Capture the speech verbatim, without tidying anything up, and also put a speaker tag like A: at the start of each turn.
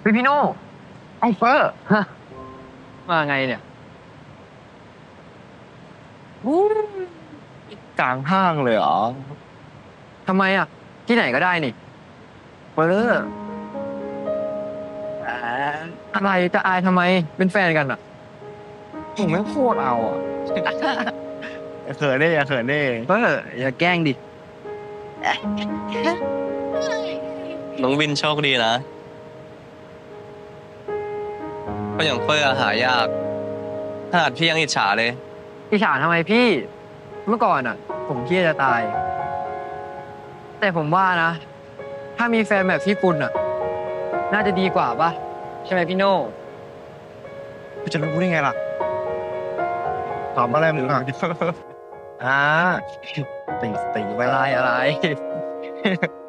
A: พี่พี่โน่
B: ไอ้เฟอร์
A: ฮะมาไงเนี่ย
B: อู้กลางห้างเลยเหรอ
A: ทำไมอ่ะที่ไหนก็ได้นี่
B: เฟอร์อ่า
A: อะไรจะอายทำไมเป็นแฟนกันอ่ะ
B: ผมไม่งโคตรเอาอ่ะอย่าเขินดิอย่าเขินดิ
A: เอออย่าแกล้งดิ
C: น้องวินโชคดีนะก็อย่างเฟอร์อะหายากขนาดพี่ยังอิจฉาเลย
A: อิจฉาทำไมพี่เมื่อก่อนอ่ะผมเครียดจะตายแต่ผมว่านะถ้ามีแฟนแบบพี่คุณอ่ะน่าจะดีกว่าป่ะใช่ไหมพี่โน่
B: กูจะรู้ได้ไงล่ะตอบอะไรมึงอ่ะอ่าติงติงไป
A: อะไร
B: ละ
A: อะไร